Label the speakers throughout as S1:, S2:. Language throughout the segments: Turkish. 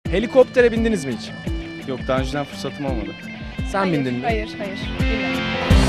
S1: Helikoptere bindiniz mi hiç?
S2: Yok, daha önceden fırsatım olmadı.
S1: Sen bindin mi?
S3: Hayır, bilmedim.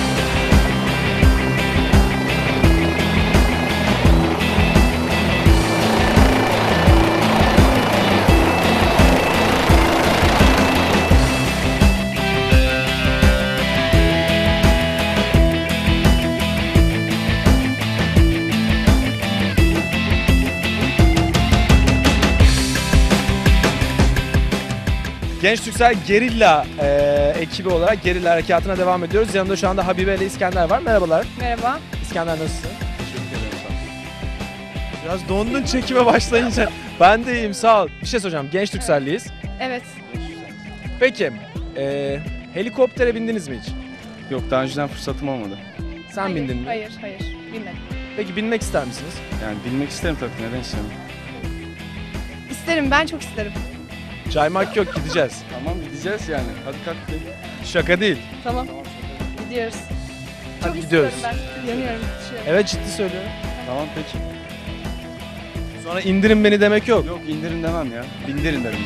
S1: Genç Türksel Gerilla ekibi olarak Gerilla harekatına devam ediyoruz. Yanımda şu anda Habibe ile İskender var. Merhabalar.
S3: Merhaba.
S1: İskender nasılsın?
S2: Teşekkür ederim, sağ ol.
S1: Biraz dondun çekime başlayınca. Ben de iyiyim, sağ ol. Bir şey soracağım. Genç Türkselliyiz.
S3: Evet.
S1: Peki, helikoptere bindiniz mi hiç?
S2: Yok, daha önceden fırsatım olmadı.
S1: Sen bindin mi?
S3: Hayır, bilmedim.
S1: Peki binmek ister misiniz?
S2: Yani bilmek isterim tabii, neden istemem.
S3: İsterim, ben çok isterim.
S1: Caymak yok, gideceğiz.
S2: Tamam, gideceğiz yani. Hadi kalk gidelim.
S1: Şaka değil.
S3: Tamam, gidiyoruz.
S1: Hadi
S3: Çok
S1: gidiyoruz.
S3: istiyorum ben. Yanıyorum, düşüyorum.
S1: Evet, ciddi söylüyorum.
S2: Tamam peki.
S1: Sonra indirin beni demek yok.
S2: Yok, indirin demem ya. Bindirin derim.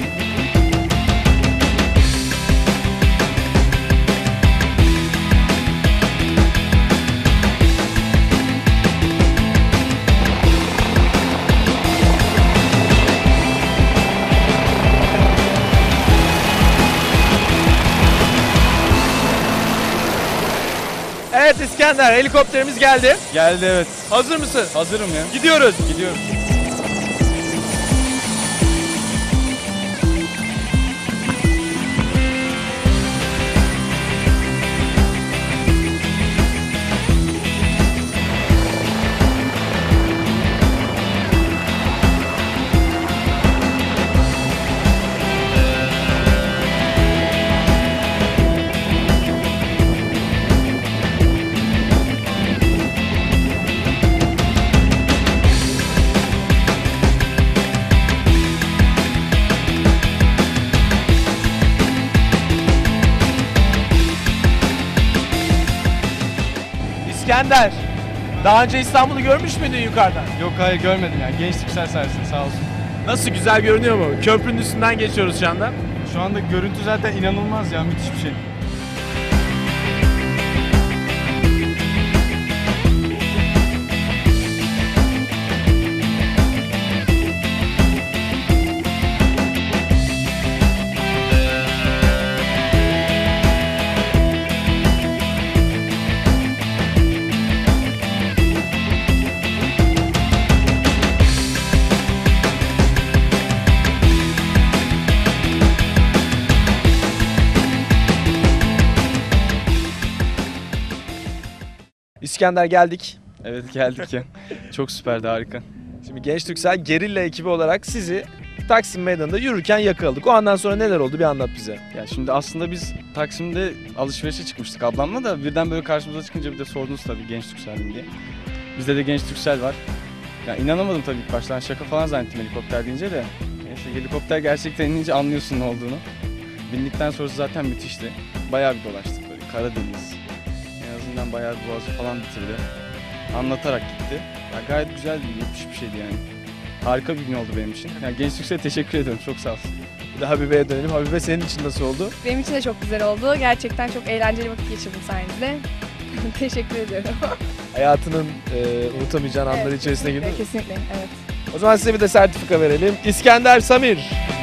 S1: Evet İskender, helikopterimiz geldi.
S2: Geldi, evet.
S1: Hazır mısın?
S2: Hazırım ya.
S1: Gidiyoruz.
S2: Gidiyoruz.
S1: İskender, daha önce İstanbul'u görmüş müydün yukarıdan?
S2: Yok, hayır görmedim yani. Genç Türksel sayesinde, sağ olsun.
S1: Nasıl, güzel görünüyor mu? Köprünün üstünden geçiyoruz şu anda.
S2: Şu anda görüntü zaten inanılmaz ya, müthiş bir şey.
S1: İskender, geldik.
S2: Evet, geldik ya. Çok süperdi, harika.
S1: Şimdi Genç Türksel Gerilla ekibi olarak sizi Taksim Meydanı'nda yürürken yakaladık. O andan sonra neler oldu, bir anlat bize.
S2: Ya şimdi aslında biz Taksim'de alışverişe çıkmıştık ablamla da, birden böyle karşımıza çıkınca bir de sordunuz tabii Genç Türksel'im diye. Bizde de Genç Türksel var. Ya inanamadım tabii ilk baştan, şaka falan zannettim helikopter deyince de. Neyse, helikopter gerçekten inince anlıyorsun ne olduğunu. Bindikten sonrası zaten müthişti. Bayağı bir dolaştık böyle, Karadeniz. En azından bayağı bir boğazı falan bitirdi. Anlatarak gitti. Ya gayet güzeldi, müthiş bir şeydi yani. Harika bir gün oldu benim için. Yani Genç Türksel'e teşekkür ediyorum, çok sağ olsun.
S1: Bir de Habibe'ye dönelim. Habibe, senin için nasıl oldu?
S3: Benim için de çok güzel oldu. Gerçekten çok eğlenceli vakit geçirdim sayenizde. Teşekkür ediyorum.
S1: Hayatının unutamayacağın anları
S3: Evet,
S1: içerisine girdin.
S3: Kesinlikle, evet.
S1: O zaman size bir de sertifika verelim. İskender Samir.